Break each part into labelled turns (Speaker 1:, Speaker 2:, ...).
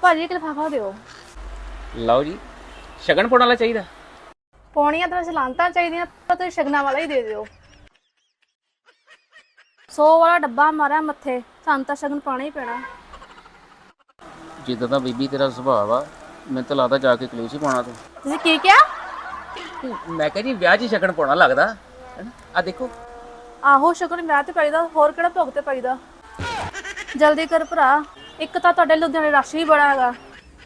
Speaker 1: ਭਾਜੀ ਇੱਕ ਲਿਫਾਫਾ ਦਿਓ।
Speaker 2: ਲਓ ਜੀ, ਸ਼ਗਨ ਪਾਉਣ ਵਾਲਾ ਚਾਹੀਦਾ।
Speaker 1: ਪੌਣੀਆਂ ਤਾਂ ਚਲਾਂਤਾ ਚਾਹੀਦੀਆਂ, ਪਰ ਤੁਸੀਂ ਸ਼ਗਨਾਂ ਵਾਲਾ ਹੀ ਦੇ ਦਿਓ। 100 ਵਾਲਾ ਡੱਬਾ ਮਾਰਿਆ ਮੱਥੇ, ਸਾਨੂੰ ਤਾਂ ਸ਼ਗਨ ਪਾਉਣਾ ਹੀ ਪੈਣਾ।
Speaker 2: ਜਿੱਦਾਂ ਦਾ ਬੀਬੀ ਤੇਰਾ ਸੁਭਾਅ ਵਾ, ਮੈਨੂੰ ਤਾਂ ਲੱਗਦਾ ਜਾ ਕੇ ਕਲੇਸ਼ ਹੀ ਪਾਉਣਾ ਤੂੰ।
Speaker 1: ਤੁਸੀਂ ਕੀ ਕਿਹਾ?
Speaker 2: ਮੈਂ ਕਿਹਾ ਜੀ ਵਿਆਹ 'ਚ ਹੀ ਸ਼ਗਨ ਪਾਉਣਾ ਲੱਗਦਾ ਹੈਨਾ। ਆ ਦੇਖੋ,
Speaker 1: ਆਹੋ ਸ਼ਗਨ ਵਿਆਹ ਤੇ ਪਾਈਦਾ, ਹੋਰ ਕਿਹੜਾ ਭੋਗ ਤੇ ਪਾਈਦਾ। ਜਲਦੀ ਕਰ ਭਰਾ, ਇੱਕ ਤਾਂ ਤੁਹਾਡੇ ਲੁਧਿਆਣੇ ਰਸ਼ ਵੀ ਬੜਾ ਹੈਗਾ।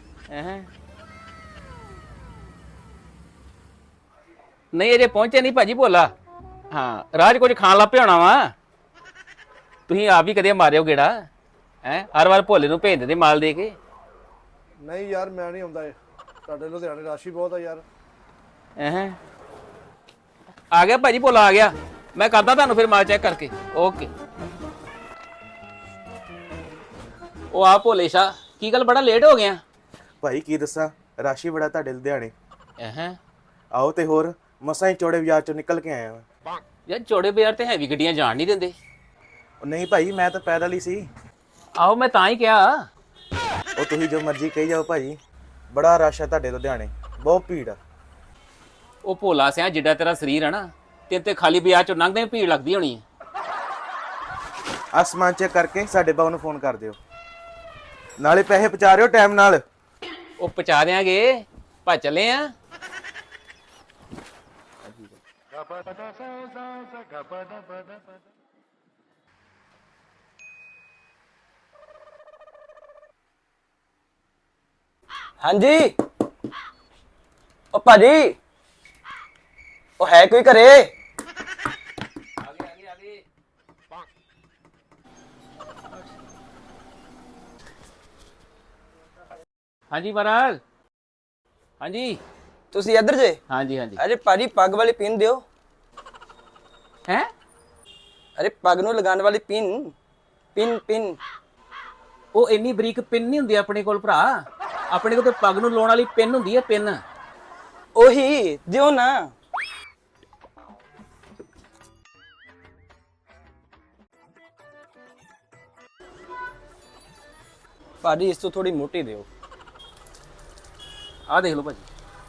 Speaker 2: ਨਹੀਂ ਅਜੇ ਪਹੁੰਚੇ ਨਹੀਂ ਭਾਜੀ ਭੋਲਾ। ਹਾਂ ਰਾਜ ਕੁਝ ਖਾਣ ਲੱਗ ਪਿਆ ਹੋਣਾ ਵਾ। ਤੁਸੀਂ ਆਪ ਵੀ ਕਦੇ ਮਾਰਿਓ ਗੇੜਾ ਹੈ, ਹਰ ਵਾਰ ਭੋਲੇ ਨੂੰ ਭੇਜ ਦਿੰਦੇ ਮਾਲ ਦੇ ਕੇ।
Speaker 3: ਨਹੀਂ ਯਾਰ ਮੈਂ ਨਹੀਂ ਆਉਂਦਾ, ਤੁਹਾਡੇ ਲੁਧਿਆਣੇ ਰਸ਼ ਹੀ ਬਹੁਤ ਆ ਯਾਰ।
Speaker 2: ਆ ਗਿਆ ਭਾਜੀ ਭੋਲਾ ਆ ਗਿਆ, ਮੈਂ ਕਰਦਾ ਤੁਹਾਨੂੰ ਫਿਰ ਮਾਲ ਚੈੱਕ ਕਰਕੇ। ਓਕੇ। ਉਹ ਆ ਭੋਲੇ ਸ਼ਾ, ਕੀ ਗੱਲ ਬੜਾ ਲੇਟ ਹੋ ਗਿਆ?
Speaker 4: ਭਾਈ ਕੀ ਦੱਸਾਂ, ਰਸ਼ ਹੀ ਬੜਾ ਤੁਹਾਡੇ ਲੁਧਿਆਣੇ।
Speaker 2: ਹੈ
Speaker 4: ਆਓ ਤੇ ਹੋਰ ਮਸਾਂ ਹੀ ਚੌੜੇ ਬਾਜ਼ਾਰ ਚੋਂ ਨਿਕਲ ਕੇ ਆਇਆ ਵਾਂ।
Speaker 2: ਯਾਰ ਚੌੜੇ ਬਾਜ਼ਾਰ ਤੇ ਹੈਵੀ ਗੱਡੀਆਂ ਜਾਣ ਨਹੀਂ ਦਿੰਦੇ।
Speaker 4: ਉਹ ਨਹੀਂ ਭਾਈ, ਮੈਂ ਤਾਂ ਪੈਦਲ ਹੀ ਸੀ।
Speaker 2: ਆਹੋ ਮੈਂ ਤਾਂ ਹੀ ਕਿਹਾ।
Speaker 4: ਉਹ ਤੁਸੀਂ ਜੋ ਮਰਜ਼ੀ ਕਹੀ ਜਾਓ ਭਾਜੀ, ਬੜਾ ਰਸ਼ ਹੈ ਤੁਹਾਡੇ ਲੁਧਿਆਣੇ, ਬਹੁਤ ਭੀੜ ਆ।
Speaker 2: ਉਹ ਭੋਲਾ ਸਿਆ ਜਿੱਡਾ ਤੇਰਾ ਸਰੀਰ ਹੈ ਨਾ, ਤੇ ਖਾਲੀ ਬਾਜ਼ਾਰ ਚੋਂ ਲੰਘਦੇ ਭੀੜ ਲੱਗਦੀ ਹੋਣੀ ਹੈ।
Speaker 4: ਆਸਮਾਨ ਚੈੱਕ ਕਰਕੇ ਸਾਡੇ ਬਾਊ ਨੂੰ ਫੋਨ ਕਰ ਦਿਓ, ਨਾਲੇ ਪੈਸੇ ਪਹੁੰਚਾ ਰਿਓ ਟਾਈਮ ਨਾਲ।
Speaker 2: ਉਹ ਪਹੁੰਚਾ ਦਿਆਂਗੇ, ਭਾ ਚੱਲੇ ਆ।
Speaker 5: ਹਾਂਜੀ ਉਹ ਭਾਜੀ, ਉਹ ਹੈ ਕੋਈ ਘਰੇ?
Speaker 2: ਹਾਂਜੀ ਮਹਾਰਾਜ। ਹਾਂਜੀ
Speaker 5: ਤੁਸੀਂ ਇੱਧਰ ਜੇ?
Speaker 2: ਹਾਂਜੀ ਹਾਂਜੀ।
Speaker 5: ਅਰੇ ਭਾਜੀ ਪੱਗ ਵਾਲੀ ਪਿੰਨ ਦਿਓ।
Speaker 2: ਹੈ
Speaker 5: ਅਰੇ ਪੱਗ ਨੂੰ ਲਗਾਉਣ ਵਾਲੀ ਪਿੰਨ, ਪਿੰਨ ਪਿੰਨ।
Speaker 2: ਉਹ ਇੰਨੀ ਬਰੀਕ ਪਿੰਨ ਨਹੀਂ ਹੁੰਦੀ ਆਪਣੇ ਕੋਲ ਭਰਾ, ਆਪਣੇ ਕੋਲ ਤੇ ਪੱਗ ਨੂੰ ਲਾਉਣ ਵਾਲੀ ਪਿੰਨ ਹੁੰਦੀ ਹੈ, ਪਿੰਨ।
Speaker 5: ਉਹੀ ਦਿਓ ਨਾ। ਭਾਜੀ ਇਸ ਤੋਂ ਥੋੜੀ ਮੋਟੀ ਦਿਓ।
Speaker 2: ਆਹ ਦੇਖ ਲਓ ਭਾਜੀ।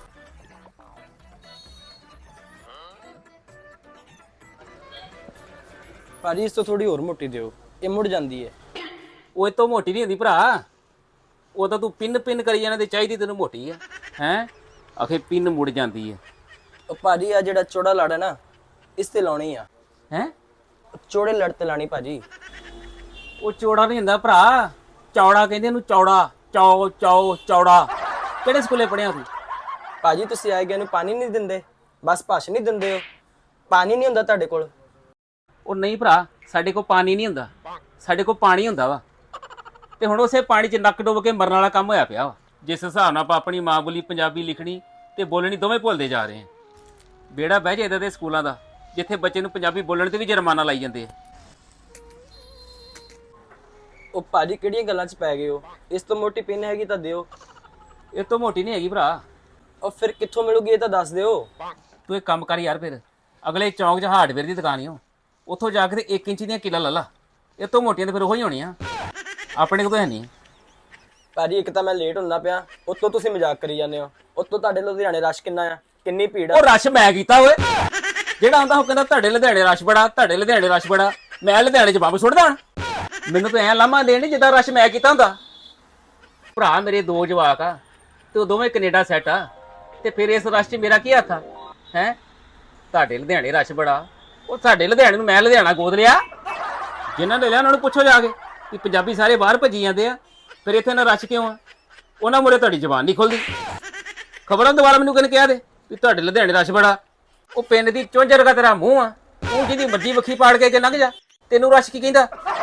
Speaker 5: ਭਾਜੀ ਇਸ ਤੋਂ ਥੋੜੀ ਹੋਰ ਮੋਟੀ ਦਿਓ, ਇਹ ਮੁੜ ਜਾਂਦੀ ਹੈ।
Speaker 2: ਉਹ ਇਹ ਤੋਂ ਮੋਟੀ ਨਹੀਂ ਹੁੰਦੀ ਭਰਾ, ਉਹ ਤਾਂ ਤੂੰ ਪਿੰਨ ਪਿੰਨ ਕਰੀ ਜਾਣਾ ਤੇ ਚਾਹੀਦੀ ਤੈਨੂੰ ਮੋਟੀ ਆ। ਹੈ ਆਖੇ ਪਿੰਨ ਮੁੜ ਜਾਂਦੀ ਹੈ।
Speaker 5: ਉਹ ਭਾਜੀ ਆ ਜਿਹੜਾ ਚੌੜਾ ਲੜ ਹੈ ਨਾ, ਇਸ ਤੇ ਲਾਉਣੀ ਆ।
Speaker 2: ਹੈ
Speaker 5: ਚੌੜੇ ਲੜ ਤੇ ਲਾਣੀ ਭਾਜੀ।
Speaker 2: ਉਹ ਚੌੜਾ ਨਹੀਂ ਹੁੰਦਾ ਭਰਾ, ਚੌੜਾ ਕਹਿੰਦੇ ਇਹਨੂੰ, ਚੌੜਾ। ਚੌੜਾ ਕਿਹੜੇ ਸਕੂਲੇ ਪੜ੍ਹਿਆ ਤੂੰ?
Speaker 5: ਭਾਜੀ ਤੁਸੀਂ ਆਏ ਗਏ ਨੂੰ ਪਾਣੀ ਨਹੀਂ ਦਿੰਦੇ, ਬਸ ਭਾਸ਼ਣ ਨਹੀਂ ਦਿੰਦੇ ਹੋ। ਪਾਣੀ ਨਹੀਂ ਹੁੰਦਾ ਤੁਹਾਡੇ ਕੋਲ?
Speaker 2: ਉਹ ਨਹੀਂ ਭਰਾ, ਸਾਡੇ ਕੋਲ ਪਾਣੀ ਨਹੀਂ ਹੁੰਦਾ, ਸਾਡੇ ਕੋਲ ਪਾਣੀ ਹੁੰਦਾ ਵਾ। ਤੇ ਹੁਣ ਉਸੇ ਪਾਣੀ 'ਚ ਨੱਕ ਡੁੱਬ ਕੇ ਮਰਨ ਵਾਲਾ ਕੰਮ ਹੋਇਆ ਪਿਆ ਵਾ। ਜਿਸ ਹਿਸਾਬ ਨਾਲ ਆਪਾਂ ਆਪਣੀ ਮਾਂ ਬੋਲੀ ਪੰਜਾਬੀ ਲਿਖਣੀ ਤੇ ਬੋਲਣੀ ਦੋਵੇਂ ਭੁੱਲਦੇ ਜਾ ਰਹੇ ਹਾਂ। ਬੇੜਾ ਬਹਿ ਜਾ ਇੱਦਾਂ ਦੇ ਸਕੂਲਾਂ ਦਾ, ਜਿੱਥੇ ਬੱਚੇ ਨੂੰ ਪੰਜਾਬੀ ਬੋਲਣ ਤੇ ਵੀ ਜੁਰਮਾਨਾ ਲਾਈ ਜਾਂਦੇ ਆ।
Speaker 5: ਉਹ ਭਾਜੀ ਕਿਹੜੀਆਂ ਗੱਲਾਂ 'ਚ ਪੈ ਗਏ ਹੋ? ਇਸ ਤੋਂ ਮੋਟੀ ਪਿੰਨ ਹੈਗੀ ਤਾਂ ਦਿਓ।
Speaker 2: ਇਹ ਤੋਂ ਮੋਟੀ ਨਹੀਂ ਹੈਗੀ ਭਰਾ।
Speaker 5: ਉਹ ਫਿਰ ਕਿੱਥੋਂ ਮਿਲੂਗੀ ਇਹ ਤਾਂ ਦੱਸ ਦਿਓ।
Speaker 2: ਤੂੰ ਇੱਕ ਕੰਮ ਕਰ ਯਾਰ, ਫਿਰ ਅਗਲੇ ਚੌਂਕ 'ਚ ਹਾਰਡਵੇਅਰ ਦੀ ਦੁਕਾਨ ਓ, ਉੱਥੋਂ ਜਾ ਕੇ ਤੇ 1 ਇੰਚ ਦੀਆਂ ਕਿੱਲਾਂ ਲੈ ਲਾ। ਇਹ ਤੋਂ ਮੋਟੀਆਂ ਤੇ ਫਿਰ ਉਹੀ ਹੋਣੀਆਂ, ਆਪਣੇ ਕੋਲ ਤਾਂ ਹੈ ਨਹੀਂ।
Speaker 5: ਭਾਜੀ ਇੱਕ ਤਾਂ ਮੈਂ ਲੇਟ ਹੁੰਦਾ ਪਿਆ, ਉੱਤੋਂ ਤੁਸੀਂ ਮਜ਼ਾਕ ਕਰੀ ਜਾਂਦੇ ਹੋ। ਉੱਤੋਂ ਤੁਹਾਡੇ ਲੁਧਿਆਣੇ ਰਸ਼ ਕਿੰਨਾ ਆ, ਕਿੰਨੀ ਭੀੜ ਆ।
Speaker 2: ਉਹ ਰਸ਼ ਮੈਂ ਕੀਤਾ ਓਏ, ਜਿਹੜਾ ਆਉਂਦਾ ਉਹ ਕਹਿੰਦਾ ਤੁਹਾਡੇ ਲੁਧਿਆਣੇ ਰਸ਼ ਬੜਾ, ਤੁਹਾਡੇ ਲੁਧਿਆਣੇ ਰਸ਼ ਬੜਾ। ਮੈਂ ਲੁਧਿਆਣੇ 'ਚ ਬੰਬ ਸੁੱਟਦਾ ਹੁਣ? ਮੈਨੂੰ ਤਾਂ ਐਂ ਲਾਮਾ ਦੇਣ ਜਿੱਦਾਂ ਰਸ਼ ਮੈਂ ਕੀਤਾ ਹੁੰਦਾ। ਭਰਾ ਮੇਰੇ 2 ਜਵਾਕ ਆ ਤੇ ਉਹ ਦੋਵੇਂ ਕੈਨੇਡਾ ਸੈੱਟ ਆ, ਤੇ ਫਿਰ ਇਸ ਰਸ਼ 'ਚ ਮੇਰਾ ਕੀ ਹੱਥ ਆ? ਹੈ ਤੁਹਾਡੇ ਲੁਧਿਆਣੇ ਰਸ਼ ਬੜਾ, ਉਹ ਸਾਡੇ ਲੁਧਿਆਣੇ ਨੂੰ ਮੈਂ ਲੁਧਿਆਣਾ ਗੋਦ ਲਿਆ? ਜਿਨ੍ਹਾਂ ਨੇ ਲਿਆ ਉਹਨਾਂ ਨੂੰ ਪੁੱਛੋ ਜਾ ਕੇ ਕਿ ਪੰਜਾਬੀ ਸਾਰੇ ਬਾਹਰ ਭੱਜੀ ਜਾਂਦੇ ਆ, ਫਿਰ ਇੱਥੇ ਨਾ ਰਸ਼ ਕਿਉਂ ਆ? ਉਹਨਾਂ ਮੂਹਰੇ ਤੁਹਾਡੀ ਜ਼ੁਬਾਨ ਨਹੀਂ ਖੁੱਲਦੀ। ਖਬਰਾਂ ਦੁਬਾਰਾ ਮੈਨੂੰ ਕਿਹਨੇ ਕਿਹਾ ਦੇ ਵੀ ਤੁਹਾਡੇ ਲੁਧਿਆਣੇ ਰਸ਼ ਬੜਾ? ਉਹ ਪਿੰਡ ਦੀ ਚੁੰਝ ਵਰਗਾ ਤੇਰਾ ਮੂੰਹ ਆ, ਤੂੰ ਜਿਹਦੀ ਮਰਜ਼ੀ ਵੱਖੀ ਪਾੜ ਕੇ ਲੰਘ ਜਾ, ਤੈਨੂੰ ਰਸ਼ ਕੀ ਕਹਿੰਦਾ?